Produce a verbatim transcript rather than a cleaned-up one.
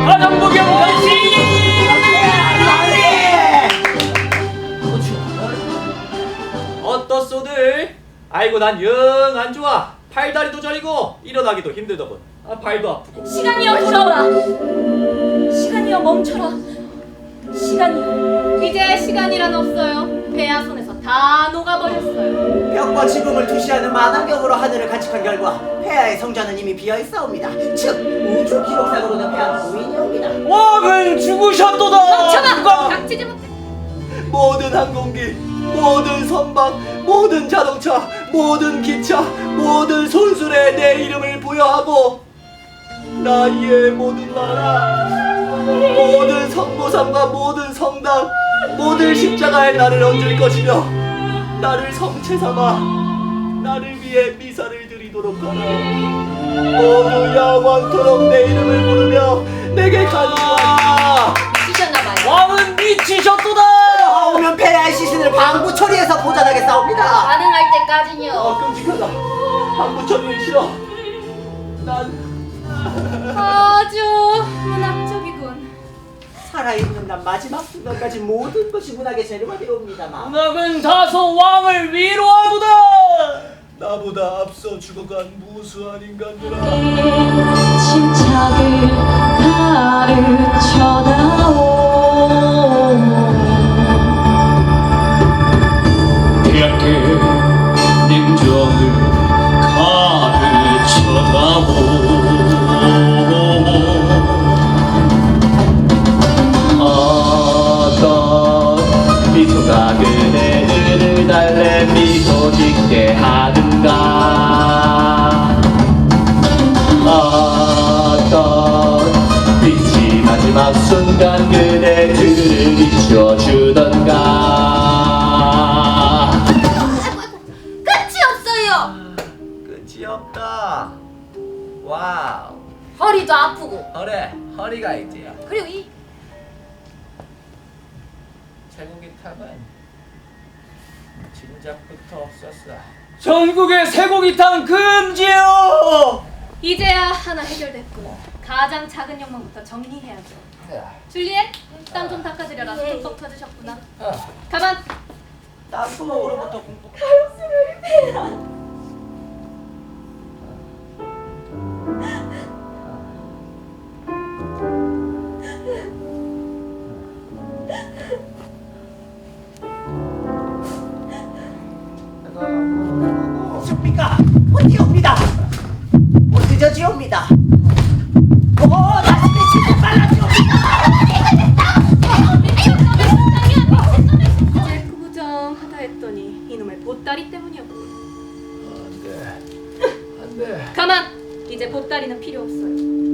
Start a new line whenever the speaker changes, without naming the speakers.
가정부경 전시! 어떻소들? 아이고 난 영 안 좋아. 팔다리도 저리고 일어나기도 힘들더군. 아, 발도 아프고.
시간이여 돌아오라. 시간이여 멈춰라. 시간이여.
이제 시간이란 없어요. 폐하 손에서 다 녹아버렸어요.
벽과 지붕을 투시하는 만환경으로 하늘을 관측한 결과 폐하의 성전은 이미 비어있사옵니다. 즉 우주 기록상으로는 폐하는 무인이옵니다.
왕은 죽으셨도다.
멈춰봐! 닥치지 못해.
모든 항공기, 모든 선박, 모든 자동차, 모든 기차, 모든 손술에 내 이름을 부여하고 나의 모든 나라, 모든 성모상과 모든 성당, 모든 십자가에 나를 얹을 것이며 나를 성체 삼아 나를 위해 미사를 드리도록 하라. 모두 영원토록 내 이름을 부르며 내게 간구하라.
미치셨나봐요.
왕은 미치셨도다.
오면 폐하의 시신을 방부 처리해서 보존하겠사옵니다.
가능할 때까지요.
아, 끔찍하다. 방부 처리는 싫어. 난
아주 문학적이군.
살아있는 난 마지막 순간까지 모든 것이 문학의 재료가 되옵니다만
문학은 다소 왕을 위로하도다.
나보다 앞서 죽어간 무수한 인간들아,
침착을 가르쳐다오.
대학의 냉정을 가르쳐다오. 어떤 미소가 그대들을 달래 미소 짓게 하는가. 어떤 빛이 마지막 순간 그대들을 비춰주던가.
끝이 없어요.
끝이 없다. 와우.
허리도 아프고.
그래, 허리가 있지요.
그리고 이
쇠고기 탑은 진작부터 없었어.
전국의 쇠고기탕 금지요.
이제야 하나 해결됐고 가장 작은 욕망부터 정리해야죠. 줄리엣, 땀 좀 닦아드려라. 흠뻑 터지셨구나. 가만.
땅구멍으로부터 공포 습니까? 어디옵니다. 어디저지옵니다. 오, 다시 미치고 빨라지옵니다.
이제 구부정하다 했더니 이놈의 보따리 때문이었군.
안돼, 안돼.
가만. 이제 보따리는 필요 없어요.